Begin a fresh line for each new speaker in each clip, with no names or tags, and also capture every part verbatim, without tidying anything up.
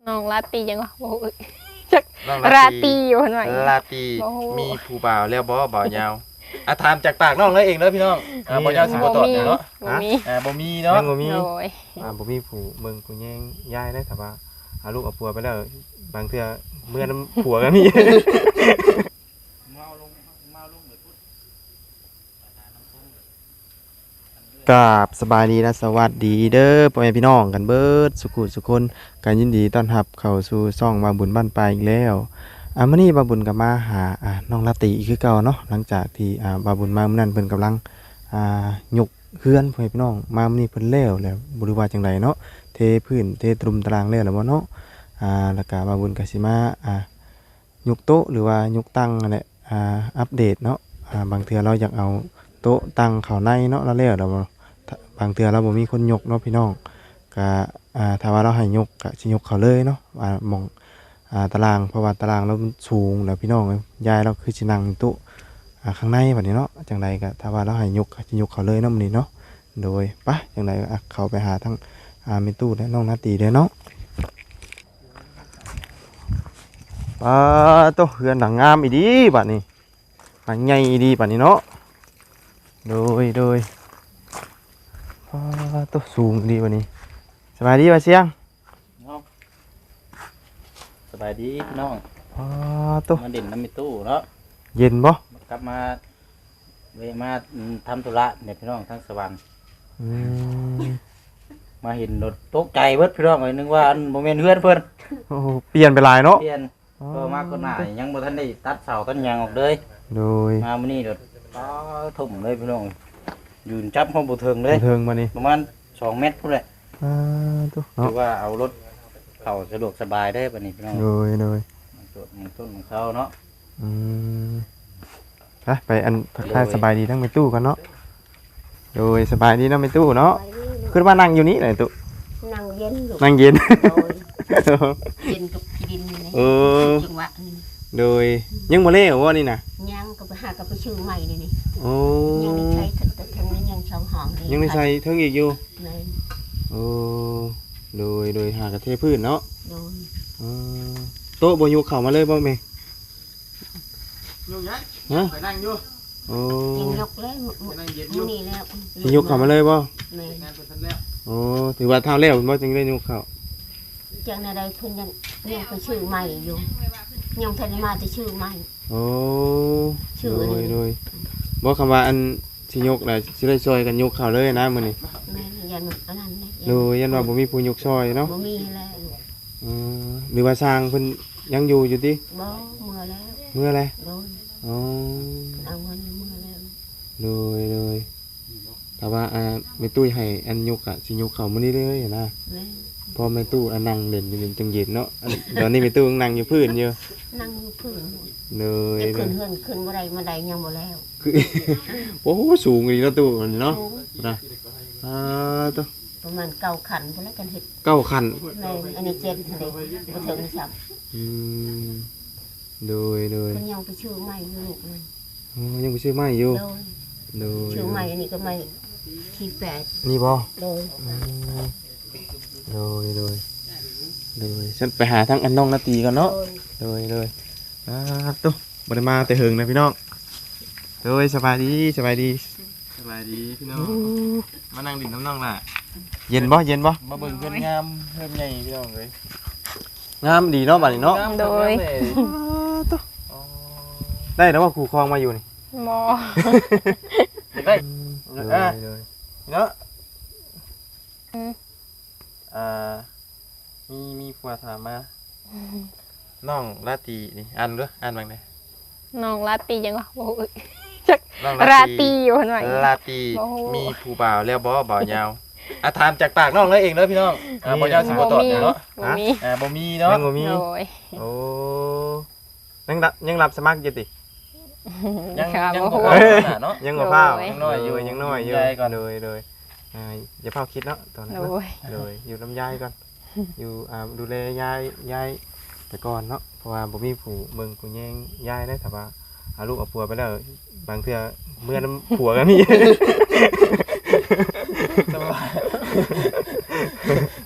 น้องลาตียังวะโอ้ยจักราตีอยู่หน่อย
ลาตีมีผู้บ่าวแล้วบ่บ่าวยาวอ่ะถามจากปากน้องเลยเองเด้อพี่น้องอ่าบ่ยาวสิบ่ตอบเนาะ
บ่มี
อ่าบ่มีเนาะ
บ่มี
โอ้ย
อ่าบ่มีผู้เบิ่งผู้แย่งย้ายได้แต่ว่าหาลูกเอาผัวไปแล้วบางเทื่อเมื่อน้ำผัวก็มีกราบสบายดีและสวัสดีเด้อพ่อแม่พี่น้องกันเบิดสุขุสุคนกันยินดีต้อนรับเข้าสู่ช่องบาบุญบ้านปลายอีกแล้วอ่ามื้อนี้บาบุญก็มาหาอ่าน้องลาติคือเก่าเนาะหลังจากที่อ่าบาบุญมามื้อนั้นเพิ่นกำลังอ่ายกเฮือนพ่อแม่พี่น้องมามื้อนี้เพิ่นแล้วแล้วบ่รู้ว่าจังไดเนาะเทพื้นเทตรุมตารางแล้วแล้วบ่เนาะอ่าแล้วก็บาบุญก็สิมาอ่ายกโต๊ะหรือว่ายกตั้งนั่นแหละอ่าอัปเดตเนาะอ่าบางเทื่อเราอยากเอาโต๊ะตั้งเข้าในเนาะแล้วแล้วแล้วบางเทื่อเราบ่มีคนยกเนาะพี่น้องก็อ่าถ้าว่าเราให้ยกก็สิยกเขาเลยเนาะอ่ามองอ่าตารางเพราะว่าตารางเรามันสูงแล้วพี่น้องยายเราคือสินั่งอยู่โต๊ะอ่าข้างในบัดนี้เนาะจังไดก็ถ้าว่าเราให้ยกก็สิยกเขาเลยเนาะมื้อนี้เนาะโดยไปจังไดก็เข้าไปหาทั้งอ่าแม่ตู้และน้องนาตีเด้อเนาะปาโตเฮือนหลังงามอีดีบัดนี้หลังใหญ่อีดีบัดนี้เนาะโดยโดยตัวสูงดีวันนี้สบายดีป่ะเสียง
สบายดีพี่น้อง
ตัว
มาเด่นน้ำมีตู้เนาะ
เย็นบ่
กลับมาเวมาทำธุระเนี่ยพี่น้องทั้งสวรรค์มาเห็นรถตกใจเบิดพี่น้องเลยนึกว่าอันโมเมนต์เพื่อนเพื่อน
เปลี่ยนไปหลายเนาะ
เปลี่ยนก็มากก็หน่ายยังบ่ทันได้ตัดเสาต้นยางออกเลย
โดย
มามื้อนี้รถป้าทุ่มเลยพี่น้องยืนจับห้องบุเทิงเลย
บุเทิงมานี่
ประมาณสองเมตรพุ่นแหละ
อ่าตัว
เนาะคือว่าเอารถเข้าสะดวกสบายได้ปะนี่พี่น้อง
โดยโดย
ต้นมันต้นของเขาเนาะ
อืมไปไปอันทักทายสบายดีทั้งในตู้กันเนาะโดยสบายดีทั้งในตู้เนาะขึ้นมานั่งอยู่นี่ไหนตู้
นั่งเย็น
นั่งเย็น
เย็นกับดินนี่
เออ
จังหวะ
โดยยังบ่เล่ว่านี่นะ
ยังก็ไปหากับไปชื่อใหม่นี่นี่
โอ้
ยังใช้แต่ทางนี้ยังชาวห้อง
ยังไม่ใส่เทิงอีกอยู่โอ้โดยโดยหากระเทพืชเนาะ
โดย
โต๊ะบนยูเข่ามาเลยบ่แม่
ยกยัก
ฮะ
ไปนั่งอยู่
โอ้
ยังยกเลยมื้อนี้แล้ว
สิยกเข่ามาเลยบ่
แม่
โอ้ถือว่าเท่าแล้วบ่จึงได้ยกเข่า
จังได๋เพิ่นยังยังไปชื่อใหม่อยู่ยังทันมาแต่ชื่อใหม่
โอ้โดยโดยบ่คำว่าอันสิยกน่ะสิได้ซอยกันยกเข่าเลยนะมื้อนี้
แม่ยันอันนั้น
โดยยันว่าบ่มีผู้ยกซอยเนาะ
บ่มีแล้ว
เออหรือว่าสร้างเพิ่นยังอยู่อยู่ติ
บ่เมื่อแล้ว
เมื่อไร
โดย
อ๋อ
เอาเงินเมื่อแล้ว
โดยโดยแต่ว่าอ่าแม่ตุ้ยให้อันยกอ่ะสิยกเข่ามื้อนี้เลยนะพอแม่ตู้อันนั่งเล่นอยู่จังเย็นเนาะตอนนี้แม่ตู้นั่งอยู่พื้นอยู่
นั่งอยู่พื้น
เลย
ขึ้นเฮือนขึ้นบ่ได้มาได้ยังบ่แล้ว
โอ้โหสูงอีเนาะตู้เนาะนะอ่าตู้
ประมาณเก้าขันพุ่นแล้วกันเฮ็ด
เก้าขัน
แม่อันนี้เจ็ดเด้บ่ถึงซับ
อืมโดยโดย
เพิ่นยังไปชื่อใหม่อยู่ลูกนึง
อ๋อยังไปชื่อใหม่อยู่โดย
ชื่อใหม่อันนี้ก็ใหม่ที่แปด
นี่บ่
โดย
โดยโดยโดยฉันไปหาทั้งอันน้องนาตีกันเนาะโดยโดยอ่าตุ๊บริมาแต่หึงนะพี่น้องโดยสบายดีสบายดี
สบายดีพี่น้องมานั่งดิ่นน้ำน้องล่ะ
เย็นบ่เย็นบ่
มาเบิ่งเพื่อนงามเพื่อนใหญ่พี่น้องเลย
งามดีเนาะบัดนี้เนาะ
โดย
ได้แล้วว่าครูคลองมาอยู่นี่
มอ
ได้อ่าเนาะอ่ามีมีผัวถามมาน้องลาตีนี่อ่านด้วยอ่านบ้างได้
น้องลาตียังวะโอ้ยจักราตีอยู่หน่อย
ลาตีมีผู้บ่าวแล้วบ่บ่าวยาวอ่ะถามจากปากน้องเลยเองเด้อพี่น้องอ่าบ่ยาวสิบ่ตอบเนาะ
บ่มี
อ่าบ่มีเนาะ
บ่มีโอ้ยังรับยังรับสมัครอยู่ติ
ยังยังบ่เนาะ
ยังบ่พายังน้อยอยู่ยังน้อยอยู่เลยเลยอ่าอย่าเผาคิดเนาะตอนนั้นเลยอยู่ลำยายก่อนอยู่อ่าดูแลยายยายแต่ก่อนเนาะเพราะว่าบ่มีผู้เบิ่งผู้แย่งยายได้แต่ว่าหาลูกเอาผัวไปแล้วบางเทื่อเมื่อน้ำผัวก็มี
สบาย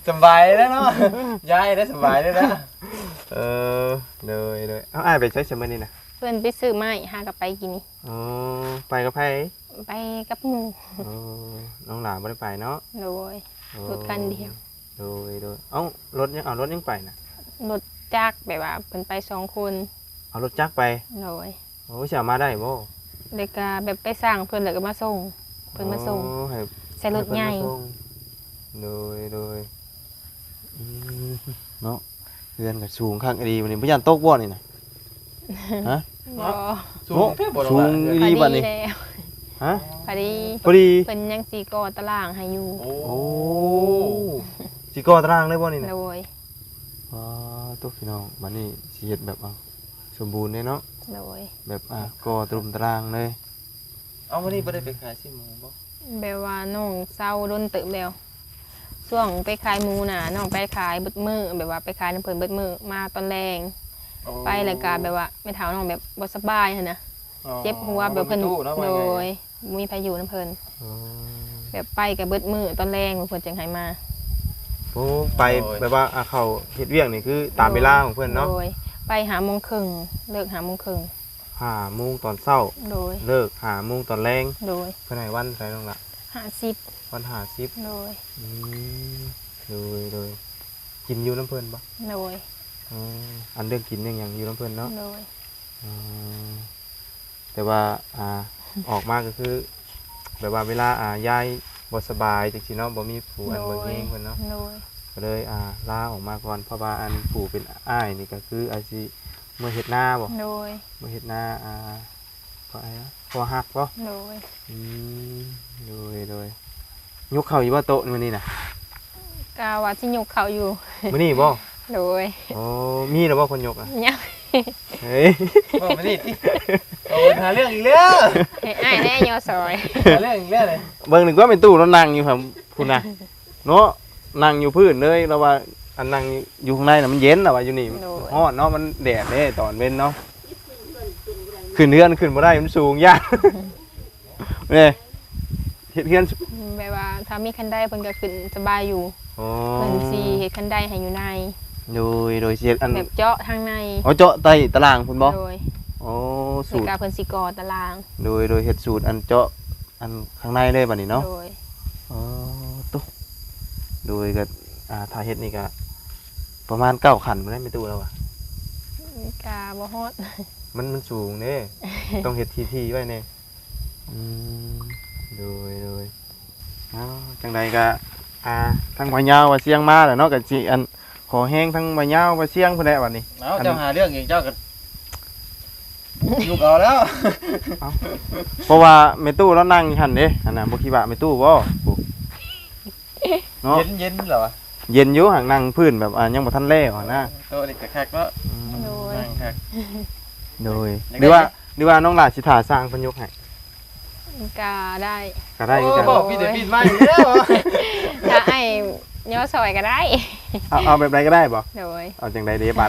สบายแล้วเนาะยายได้สบายแล้วนะ
เออเลยเลยเอาอ้ายไปใช้สมัยนี้นะ
เพิ่นไปซื้อไม้หากับไปกินนี่
อ๋อไปกับไผ
ไปกับหมู่
อ๋อน้องหลานบ่ได้ไปเนาะ
โดย รถคันเดียว
โดยโดยเอ้ารถยังเอารถยังไปนะ
รถจักรแบบว่าเพิ่นไปสองคน
เอารถจักรไป
โดย
โอ้ยจะเอามาได้บ่
แล้วก็แบบไปสร้างเพิ่นแล้วก็มาส่งเพิ่นมาส่ง
โอ้ให้
ใส่รถใหญ่
ห้เพิ่นมาส่งโดยโดยอืมเนาะเรือนก็สูงข้างดีวันนี้บ่ยันตกบ่นี่นะฮะ
บ่
สูงแค่บ่
สูง
พ
ดี
อ
บัด
ดี
นี้
แล้ว
ฮะ
พอดี
พอดี
เพิ่นยังสิก่อตารางให้อยู่
โอ้
โอ้สิก่อตารางเลยบ่นี่นะ
โดย
อ๋อตุ๊กพี่น้องบัดนี้สิเฮ็ดแบบเอาสมบูรณ์เลยเนาะ
โดย
แบบอ่ะก่อตรุมตารางเลย
เอาวันนี้บ่ได้ไปขายสิหมูบ่
แบบว่าน้องเศร้าโดนตึกแล้วช่วงไปขายหมูน่ะน้องไปขายเบิดมือแบบว่าไปขายน้ำเพิ่นเบิดมือมาตอนแรง ไปแล้วก็แบบว่าไม่เท่าน้องแบบบ่สบายหั่นนะเจ็บหัวแบบเพิ่น
ตู้เนาะ
โด
ว่าไง
ยมีพายุน้ำเพิ่น
อ๋อ
แบบไปกับเบิดมือตอนแรงเพิ่นจังให้มา
โอ้ไปแบบว่าอ่ะเขาเฮ็ดเวียกนี่คือตามเวลาของเพิ่นเนาะ
โดยไปหาโมงครึ่งเลิกหาโมงครึ่ง
ห้าโมงตอนเช้า
โดย
เลิกห้าโมงตอนแรง
โดย
เพิ่นให้วันไสน้องละ
ห้าสิบ
วันห้าสิบ
โดย
อืมโดยโดยกินอยู่น้ำเพิ่นบ่
โดย
อ๋ออันเรื่องกินยังหยังอยู่น้ำเพิ่นเนาะ
โดย
อ๋อแต่ว่าอ่าออกมาก็คือ แบบว่าเวลาอ่ายายบ่สบายจังซี่เนาะบ่มีผู้อันเบิ่งเองเพิ่นเนาะ
โดย
ก็เลยอ่าลาออกมาก่อนเพราะว่าอันผู้เป็นอ้ายนี่ก็คืออาชีเมื่อเฮ็ดนาบ่
โดย
เมื่อเฮ็ดนาอ่าก็อะไรนะพอหักบ่
โดย
อืมโดยโดยยกเข้าอยู่บ่โต๊ะมื้อนี้น่ะ
กาว่าสิยกเขาอยู่
มื้อนี้บ่
โดย
โอ้มีแล้วบ่คนยกอ่ะ
ยัง
เฮ้ย
บ่มานี่ติโอ้หาเรื่องอีกแล้ว
ให้อ้ายแน่ยอซอย
หาเรื่องอีกแล้วเลย
เบิ่งนึกว่าเป็นตู้แล้วนั่งอยู่ครับพุ่นน่ะเนาะนั่งอยู่พื้นเลยแล้วว่าอันนั่งอยู่ข้างในน่ะมันเย็นแล้วว่าอยู่นี่ร้อนเนาะมันแดดเด้ตอนเว้นเนาะขึ้นเรือนขึ้นบ่ได้มันสูงยากเด้เฮ็ดเรือน
แบบว่าถ้ามีคันได้เพิ่นก็ขึ้นสบายอยู่
อ๋อ
เพิ่นสิเฮ็ดคันได้ให้อยู่ใน
โดยโดยเสียอัน
แบบเจาะทางใน
อ๋อเจาะใต้ตารางพุ่นบ่
โดย
อ๋อ
ใน
สูตร
การเพิ่นสิก่อตาราง
โดยโดยเฮ็ดสูตรอันเจาะอันข้างในเลยบัดนี้เนาะ
โดย
อ๋อตุ๊โดยก็อ่าถ้าเฮ็ดนี่ก็ประมาณเก้าขันบ่ได้ไม่ตู้แล้วอ่ะ
กาบ่ฮอด
มันมันสูงเด้ ต้องเฮ็ดทีๆไว้แน่อืมโดยโดยอ้าวจังใดก็อ่าทั้งบ่ยาวว่าเสียงมาแล้วเนาะก็สิอันขอแห้งทั้งบ่ยาวว่าเสียงพุ่นแหละบัดนี้
เอาเจ้าหาเรื่องอีกเจ้าก็ยุกเอาแล้ว
เพราะว่าแม่ตู้เรานั่งอยู่หั่นเด้อันน่ะบ่คิดว่าแม่ตู้บ่โอ้เนาะ
เย็นเย็นเหรอวะ
เย็นอยู่ห่างนั่งพื้นแบบอ่ายังบ่ทันแล้วอะนะ
โตนี่ก็คักเนาะ
โดย
นั่งคัก
โดย
ยังไง
หรือว่าหรือว่าน้องหลานสิถ่าสร้างเพิ่นยกให้
กาได้
ก็ได้คือ
โอ้
กัน
บอกพี่เดี๋ยวพี่มาอีกแล้ว
ถ้าไอ้ยอซอยก็ได้
เอาเอาแบบใดก็ได้บ่
โดย
เอาจังใดเด้บัด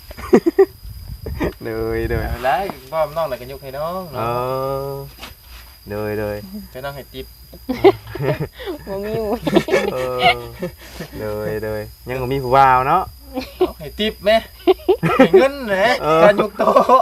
เลยเลย
แล้วพ่อน้องน่ะก็ยกให้น้อง
เอ
เนาะ
อเลยเลย
ให้น้องให้ติ๊บ
บ่มีอยู่
เออเลยเลยยังบ่มีผู้บ่าวเนาะ
เอาให้ติ๊บแม่ให้เงินแหละ
เออ
การยกโต๊ะ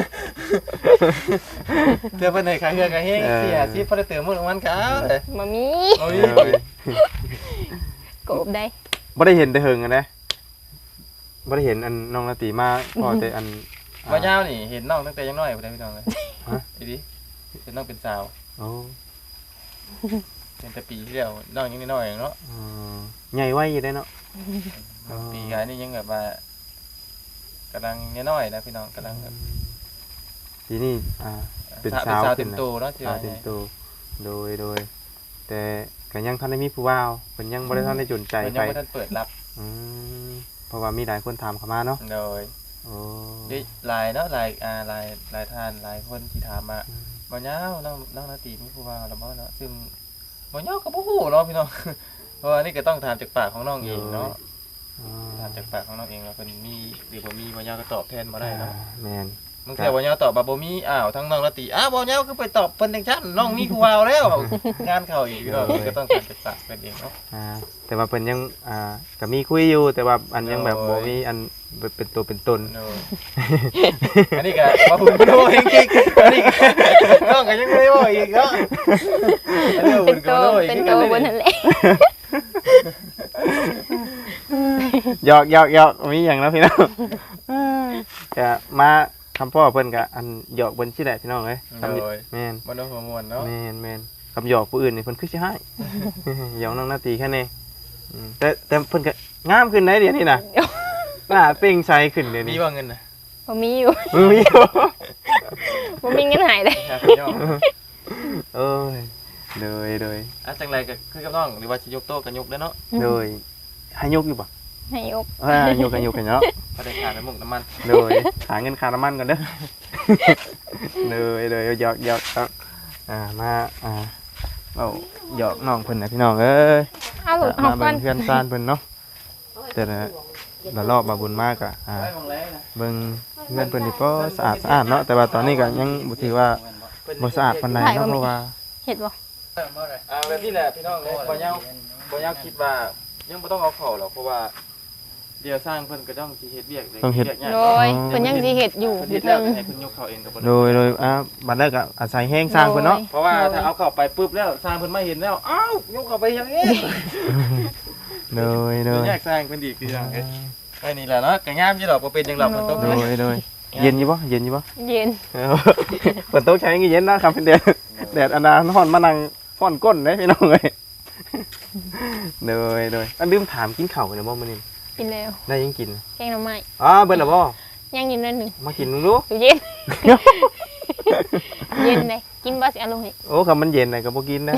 เดี๋ยวเพิ่นให้ค่าเฮือค่าเฮงเสียสิบ่ได้เติมมื้อวันก็เอาเลย
บ่มี
โอ้ย
เออ
กบได้
บ่ได้เห็นแต่เฮิงอะนะบ่ได้เห็นอันน้องนาตีมาพอแต่อัน
บ่ยาวนี่เห็นน้องตั้งแต่ยังน้อยพุ่นเด้อพี่น้องเอ้ย
ฮะ
อีดิเป็นน้องเป็นสาว
โอ้
เป็นแต่ปีที่แล้วน้องยังน้อยๆเนาะ
เออใหญ่ไว้อยู่ได้เนาะ อ๋อ
ปีกายนี่ยังแบบว่ากำลังน้อยๆนะพี่น้องกำลังแบบ
ทีนี่อ่า เป็น
สาว
สาว
สาว
ขึ้
เต็
น
ม
นะ
โตเนาะที่
สาว
ว่า
เต็ม
ไง
ตัวโดยโดย แต่ก็ยังทันได้มีผู้ว่าวเพิ่นยังบ่ได้ทันได้จนใจ
มัน
ไป
ยังไม่ทันเปิดรับ
อืมเพราะว่ามีหลายคนถามเข้ามาเนาะ
โดย
โอ้
ด้วยหลายเนาะหลายอ่าหลายหลายท่านหลายคนที่ถามมาบ่ยาวน้องน้องนาตีมีผู้ว่าแล้วบ่เนาะซึ่งบ่ยาวก็บ่ฮู้เนาะพี่น้อง เพราะว่านี่ก็ต้องถามจากปากของน้องเองเนาะ
อ๋อ
ถามจากปากของน้องเองว่าเพิ่นมีหรือบ่มีบ่ยาวก็ตอบแทนบ่ได้เนาะ
แม่น
มึงแค่บ่ยาวตอบว่าบ่มีอ้าวทั้งน้องละติอ้าวบ่ยาวคือไปตอบเพิ่นจังซั่นน้องมีผู้วาวแล้วงานเข้าอีกพี่น้องก็ต้องการศึกษาเพิ่นเองเนาะ
อ่าแต่ว่าเพิ่นยังอ่าก็มีคุยอยู่แต่ว่าอันยังแบบบ่มีอันเป็นตัวเป็นตน
โน่อันนี้ก็บ่ฮู้โน่จริงๆอันนี้ก็น้องก็ยังไม่ได้บอกอีกเนาะอันนี้
เป็นโต
ก็บ่รู้อีก
เป็น
คือ
โต
กัน
บน
เลย
นั่นแหละ
หยอกหยอกหยอกมีหยังแล้วพี่น้องก็มาคำพ่อเพิ่นก็อันหยอกเพิ่นสิแหละพี่น้องเอ้ยคำ
โอ้ย
แม่น
บ่ต้องหัวม่วนเนาะ
แม่นแม่นคำหยอกผู้อื่นนี่เพิ่นคือสิให้ หยอกน้องนาตีแค่นี้อืมแต่แต่เพิ่นก็งามขึ้นได้เดี๋ยวนี้น่ะหน้าเปล่งใสขึ้นเดี๋ยว
มี
นี้
บ่เงินน่ะ
บ่มีอยู่
มือมีบ่
บ่มีเงินหายเลย
อยากย่อ
เอ้ยเลยเลย
อ่ะจังไรก็คือกับน้องหรือว่าสิยกโต๊ะก็ยกได้เนาะ
เลยให้ยกอยู่บ่
ให้ยก
เอ้ยยกกันยกกันเนาะ
บ่ได้ขาดน้ำมันน้ำมัน
เลยหาเงินค่าน้ำมันก่อนเด้อ เลยเลยหยอกหยอกหยอกอ่ามาอ่าเอาหยอกน้องเพิ่นนะพี่น้องเอ้ย
เอาหลุดออ
มาก
ก่อ
เบิ่
น
งเพื่อนซ่านเพิ่นเนาะแต่ละละรอบมาบุญมากอ่ะอ่า
ไปมองแล้วนะ
เบิ่งเพื่อนเพิ่นนี่ก็สะอาดสะอาดเนาะแต่ว่าตอนนี้ก็ยังบ่ถือว่าบ่สะอาดปานใดเนาะเพราะว่า
เห็ดบ่
อ่าแบบนี้แหละพี่น้องบ่ยาวบ่ยาวคิดว่ายังบ่ต้องเอาเข้าหรอกเพราะว่าเดี๋ยวสร้างเพิ่นก็ต้องสิเฮ็ดเวียกเลยวีกยาก
โดยเพิ่นยังสิเห็ดอยู่อ
เฮ็
ยู่
ดแล้
เทิ
ว
ง
ให้เพิ่นยกเข้าเองก็บ่
โดยโดยอ่าบัดแรกก็อาศัยแห้งสร้างเพิ่นเนาะ
เพราะว่าถ้าเอาเข้าไปปุ๊บแล้วสร้างเพิ่นมาเห็นแล้วอ้าวยกเข้าไปอย่างนี้
โดยโด
เดี๋ยวย แยกสร้างเพิ่นอีกคือจังเอ้ยไอ้นี่แหละเนาะก็งามอยู่ดอกบ่เป็นจังหรอกมันต้อง
โดยโดยเย็นอยู่บ่เย็นอยู่บ่
เย็น
ฝนตกใช้งี้เย็นนะครับเป็นแดดแดดอันนั้นฮ้อนมานั่งฟ้อนก้นได้พี่น้องเอ้ยโดยโดยอันลืมถามกินข้าวกันบ่มื้อนี้
กินแล้ว
ได้ยังกิน
แกงหน่อไม้
อ๋อเบิ่นล่ะบ่
ยังกินนิดหนึง
มากินมึงดู
อยู่เย็น เย็นเลยกินบ่สิเอาลงให้
โอ้คำมันเย็นน่ะก็บ่กินนะ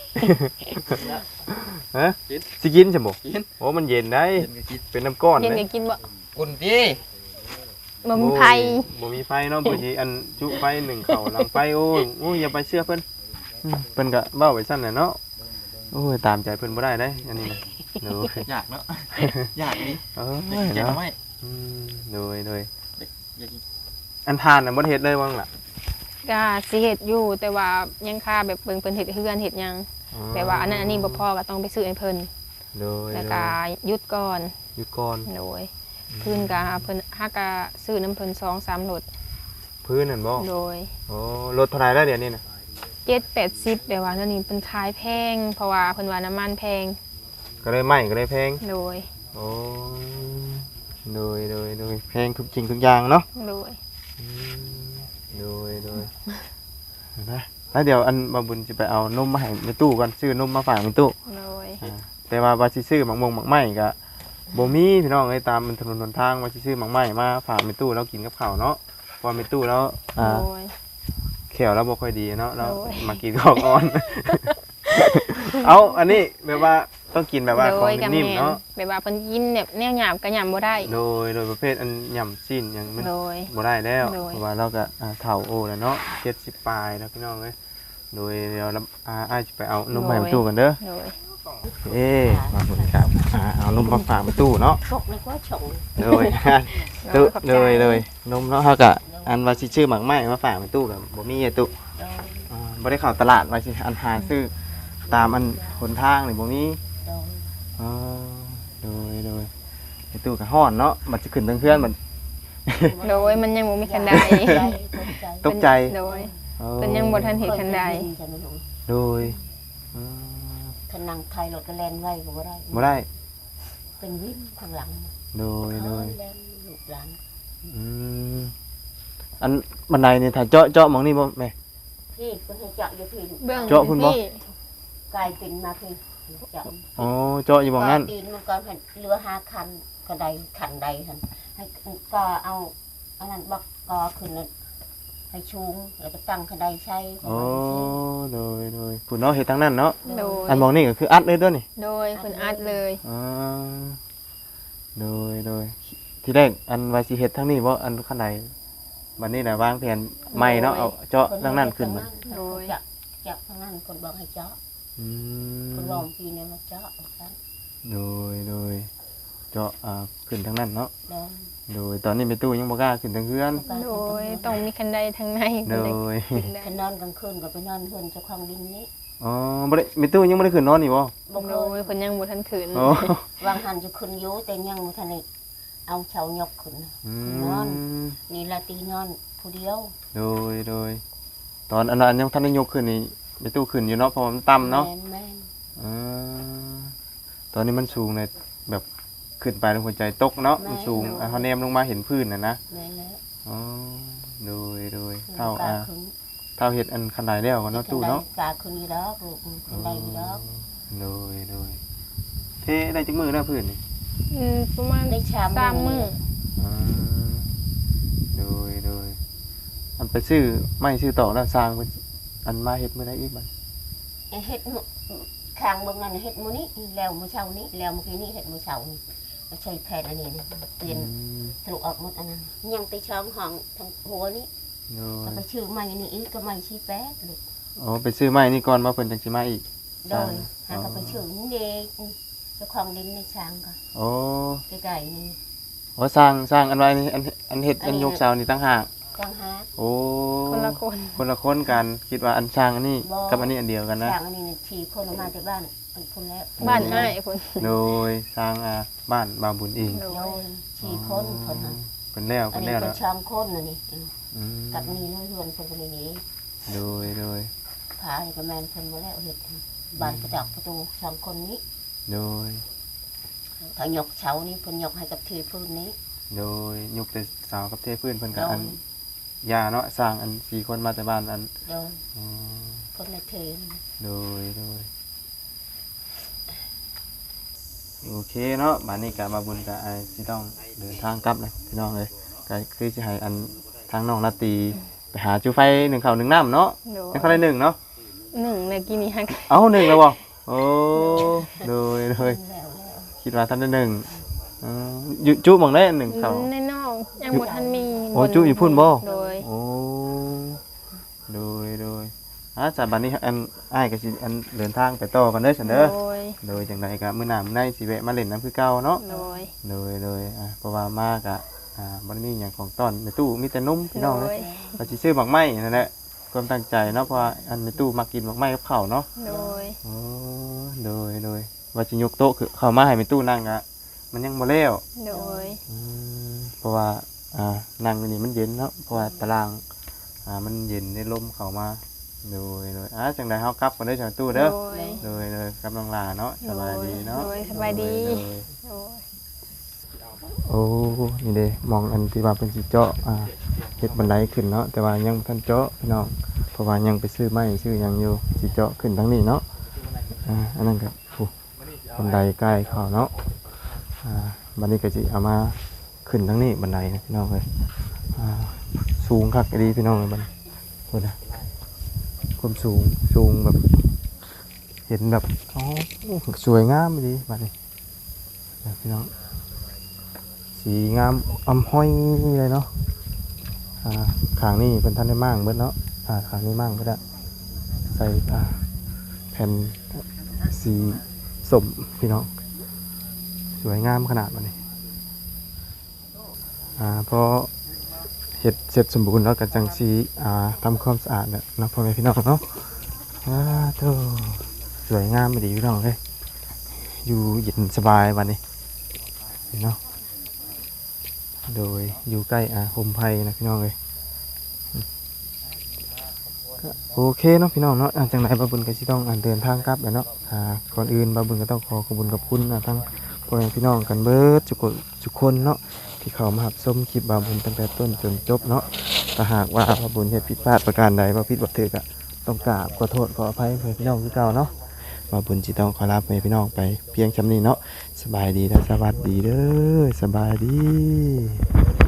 ฮะสิกินใช่บ่
กิน
โอ้มันเย็นได้
เห็นก็คิด
เป็นน้ำก้อน
เย็น
เด้
ก็กินบ่
กุนติ
บ่มีไผ
บ่มีไฟเนาะบ่สิอันจุไฟหนึ่งเข้าหลังไฟโอ้ยโอ้ยอย่าไปเชื่อเพิ่นอืมเพิ่นก็เว้าไว้ซั่นน่ะเนาะโอ้ยตามใจเพิ่นบ่ได้เด้อันนี้นะโดย
อยากเนาะอยากดิ
เอ้
อยาก
ย
กินแกง
เนาะ
ไม้
อืมโดยโดย
อยากกิน
อันทานน่ะบ่ได้เฮ็ดเลยว่างล่ะ
ก็สิเฮ็ดอยู่แต่ว่ายังค่าแบบเบิ่งเพิ่นเฮ็ดเฮือนเฮ็ดหยังแต่ว่าอันนั้นอันนี้บ่พอก็ต้องไปซื้อให้เพิ่น
โดย
แล้วก็หยุดก่อน
หยุดก่อน
โดยพื้นก็เพิ่นหากะซื้อน้ำเพิ่นสองสามรถ
พื้นนั่นบ่
โดย
โอ้รถเท่าไหร่แล้วเดี๋ยวนี้น่ะ
เจ็ดแปดสิบแบบว่านั่นนี่เป็นขายแพง เพราะว่าเพิ่นว่าน้ำมันแพง
ก็เลยไหม้ก็เลยแพง
โดย
โอ้โดยโดยโดยแพงทุกจริงทุกอย่างเนาะ
โดย
อืมโดยโดยนะแล้วเดี๋ยวอันบาบุญจะไปเอานมมาให้ในตู้ก่อนซื้อนมมาฝากในตู้
โดย
อ่าแต่ว่าว่าสิซื้อหมักมงหมักไหม้ก็บ่มีพี่น้องเอ้ยตามมันถนนหนทางว่าสิซื้อหมักไหม้มาฝากในตู้แล้วกินกับข้าวเนาะพอในตู้แล้วอ่า
โดย
แขวเราบ่ค่อยดีเนาะเรา
โอ้ย
มากินของอ่อน เอาอันนี้แบบว่าต้องกินแบบว่า
โด
ของ
ยกับ
นิ่ม
แม่
ๆเนาะ
แบบว่าเพิ่นกินแบบแนวหยาบก็หยาบบ่ได้
โดยโดยประเภทอันย่ำสิ้นอย่างมัน
โดย
บ่ได้แล้ว
โดย
เพราะว่าเราก็อ่าเฒ่าโอแล้วเนาะเจ็ดสิบปลายแล้วพี่น้องเอ้ยโดยเดี๋ยวเราอ่าอ้ายสิไปเอานมมาให้ตู้กันเด้อ
โดย
เอ๊ะมาบุญครับอ่าเอานมมาฝากไปตู้เนาะ
พวกนี้ก็ฉง
โดย ตู้เลยเลยนมเนาะเฮาก็อันว่าสิชื่อหมักไหม้มาฝากไปตู้กับบ่มีอะตู้อ่าบ่ได้เข้าตลาดว่าสิอันหาซื้อตามอันหนทางนี่บ่มี
โดย
อ๋อโดยโดยไอ้ตู้ก็ฮ้อนเนาะมันสิขึ้นทางเพื่อนมัน
โดยมันยังบ่มีคันใด
ตกใจ
โดย
อ๋อ
เพิ่นยังบ่ทันเห็นคันใด
โดยอ๋อ
ขนังไทยรถก็แล่นไว้ก็บ่ได้
บ่ได้
เป็นวิ่งข้างหลัง
โดยโดย
แล่นลูกหลาน
อืมอันบันไดนี่ถ้าเจาะเจาะหมองนี่บ่แม่
พี่ก็ให้เจาะอยู่พี่
เบื้อง
เจาะพุ่นบ่
พี่
กลายเป็นมาพี่เจาะ
อ๋อเจาะอยู่หมองนั้น
ก็ตีนมันก็เป็นเรือห้าคันก็ได้คันใดคันให้ก็เอาอันนั้นบอกก็ขึ้นแล้วให้ชูงแล้วก็ตั้งคันใดใช้
อ๋อโดยโดยผู้เนาะเฮ็ดทางนั้นเนาะ
โดย
อันหมองนี่ก็คืออัดเลยเด้อนี่
โดยเพิ่นอัดเลย
อ๋อโดยโดยที่แรกอันว่าสิเฮ็ดทางนี้บ่อันข้างในบัดนี้น่ะวางแผนใหม่เนาะเอาเจาะทางนั้นขึ้นมา
โดยเจาะเจาะทางนั้นคนบอกให้เจาะ
อื
คน
ม
ลองปีนี้มาเจาะกัน
โดยโดยเจาะอ่าขึ้นทางนั้นเนาะ
โดย
โดยตอนนี้แม่ตู้ยังบ่กล้าขึ้นทางเฮือน
โดยต้องมีคันใดทางใน
โด
เพิ่น
ย
ได้
ไปนอนกลางคืนก็ไปนอนเฮือนเจ้าของดินนี้
อ๋อบ่ได้แม่ตู้ยังบ่ได้ขึ้นนอนนี่บ่
บ่เค
โดย
ย
เพิ่นยังบ่ทันขืน
อ๋อ
วางหันจะขึ้นอยู่แต่ยังบ่ทันได้เอาเชายกขึ้นนะ
อื
นอน
ม
นี่ละตีนอนผู้เดียว
โดยโดยตอนอันนั้นยังทันได้ยกขึ้นนี่แม่ตู้ขึ้นอยู่เนาะเพราะว่ามันต่ำเนาะ
แม่นแม่น
อ่าตอนนี้มันสูงเลยแบบขึ้นไปแล้วหัวใจตกเนาะมันสูงอ่ะเขาแนมลงมาเห็นพื้นน่ะนะ
แม่นแล้ว
อ๋อโดยโดย
เท่า
เท่าอ่า
ขึ้น
เท่าเห็ดอันคันใดแล้วก็เนาะตู้เนาะ
กาขึ้นอยู่ดอกลูกขึ้นได้อยู่ดอก
โดยโดยเทได้จักมือแล้วพื้นนี่
อืมประมาณ
ได้ชาม
สามมื้อ
อ่าโดยโดยอันไปซื้อไม่ซื้อต่อแล้วสร้างเพิ่นอันมาเฮ็ดมื้อใดอีกบัด
เฮ็ดมื้อข้างเบิ่งนั่นเฮ็ดมื้อนี้แล้วมื้อเช้านี้แล้วเมื่อกี้นี้เฮ็ดมื้อเช้านี่ใช้แผ่นอันนี้นี่เปลี่ยน
อืม
ทะลุออกหมดอันนั้นยังไปช่องห้องทางหัวนี้
โด
ก็
ย
ไปชื่อใหม่นี่อีกก็ใหม่ชี้แป๊ดลูก
อ๋อไปซื้อไม้นี่ก่อนมาเพิ่นจังสิมาอีก
โดยหาก็ไปชื่อนี่เด็กเจ้าของดินในช้างก็
โอ้
ใกล้ๆนี่
โอ้สร้างสร้างอันไว้นี่อันอันเฮ็ดอันยกเสานี่ต่างหาก
จังหา
โอ้
คนละคน
คนละคนกันคิดว่าอันสร้างอันนี้
บ่
กับอันนี้อันเดียวกันนะ
ช้างอันนี้ทีคนออกมาจากบ้านอันคนแล้ว
บ้านอ้ายเพิ่น
โดยสร้างอ่าบ้านบางบุญเอง
โด
โด
ย
ยทีคนคนนั้น
เป็นแล้ว
อั
เป็น น
นี้
แล้ว
เป็
แล้
น
ว
ช่องคนน่ะนี่อืม
อืม
กับนี่น้อยเฮือนคนคนนี้นี่
โดยโดย
พาให้กับแม่นเพิ่นมาแล้วเฮ็ดบ้านประจักษ์ประตูสองคนนี้
โดย
ถ้ายกเสานี่เพิ่นยกให้กับทีพื้นนี้
โดยยกแต่สาวกับเทพื้นเพิ่น
โด
กับอั
ย
นยาเนาะสร้างอันสี่คนมาแต่บ้านอัน
โดย
อ๋อ
เพิ่นเลยเทนี่
โดยโดยโอเคเนาะบ้านนี้ก็มาบุญกับไอ้ที่ต้องเดินทางกลับเลยพี่น้องเลยก็คือสิให้อันทางน้องนาตีไปหาจูไฟหนึ่งข้าวหนึ่งน้ำเนาะ
โดย
เป็นข้าวได้หนึ่งเนาะ
หนึ่งเมื่อกี้นี้ฮัก
เอาหนึ่งแล้วบ่โอ้โดยโดย
แล้วแล้ว
คิดว่าท่านได้หนึ่งอืมอยู่จุหมองได้อันหนึ่งเขา
ในนอกยังบ่ทันมี
โอ้จุอยู่พุ่นบ่
โดย
โอ้โดยโดยอ่ะจากบัดนี้อันอ้ายก็สิอันเดินทางไปต่อกันเด้อซั่นเด้อ
โดย
โดยจังไดก็มื้อหน้ามื้อในสิแวะมาเล่นน้ำคือเก่าเนาะ
โดย
โดยโดยอ่ะเพราะว่ามากะอ่าบ่ได้มีหยังของต้อนในตู้มีแต่นมพี่
โด
น้องเด้อย ก็สิซื้อหมักไม้นั่นแหละความตั้งใจเนาะเพราะว่าอันในตู้มักกินหมักไม้กับข้าวเนาะ
โดย
โอ้โดยโดยว่าสิยกโต๊ะคือเข้ามาให้ในตู้นั่งอะมันยังบ่แล้ว
โดย
อืมเพราะว่าอ่านั่งอยู่นี่มันเย็นเนาะเพราะว่าตารางอ่ามันเย็นได้ลมเข้ามาโดยโดยอ่ะจังไดเฮากลับกันเด้อจังตู้เด้อ
โดย
โดยโดยกำลังลาเนาะสบายดีเนาะ
โดยสบายดี
โดย
โดย
โอ้นี่เด้มองอันที่ว่าเป็นสิเจาะอ่าเฮ็ดบันไดขึ้นเนาะแต่ว่ายังบ่ทันเจาะพี่น้องเพราะว่ายังไปซื้อไม้ซื้อหยังอยู่สิเจาะขึ้นทางนี้เนาะอ่าอันนั้นก็โอ้บันไดใกล้เข้าเนาะอ่าบัดนี้ก็สิเอามาขึ้นทางนี้บันไดนะพี่น้องเอ้ยอ่าสูงคักดีพี่น้องเอ้ยบัดนี้โหนะความสูงสูงแบบ เห็นแบบอ๋อสวยงามดีบัดนี้นะพี่น้อง สีงามอำห้อยเลยเนาะอ่าขางนี่เป็นท่านได้มั่งเบิดเนาะอ่าขางนี้มั่งเบิดอะใส่อ่าแผ่นสีสมพี่น้องสวยงามขนาดมันนี่อ่าพอเห็ดเสร็จสมบูรณ์แล้วก็จังสีอ่าทำความสะอาดเนี่ยเนาะพ่อแม่พี่น้องเนาะอ่าโธ่สวยงามไม่ดีพี่น้องเลยอยู่เย็นสบายวันนี้เนาะ โดยอยู่ใกล้อาโฮมไพนะพี่น้องเลยก็โอเคเนาะพี่น้องเนาะอ่าจังไหนบาบุญก็สิต้องอ่าเดินทางกลับแล้วเนาะอ่าก่อนอื่นบาบุญก็ต้องขอขอบคุณกับคุณอ่าทั้งพ่อแม่พี่น้องกันเบิดทุกคนทุกคนเนาะที่เข้ามารับชมคลิปบาบุญตั้งแต่ต้นจนจบเนาะถ้าหากว่าบาบุญเฮ็ดผิดพลาดประการใดบ่ผิดบ่ถูกก็ต้องกราบขอโทษขออภัยเพื่อนพี่น้องคือเก่าเนาะบาบุญสิต้องขอลาพ่อแม่พี่น้องไปเพียงชำนี้เนาะสบายดีและสวัสดีเด้อสบายดี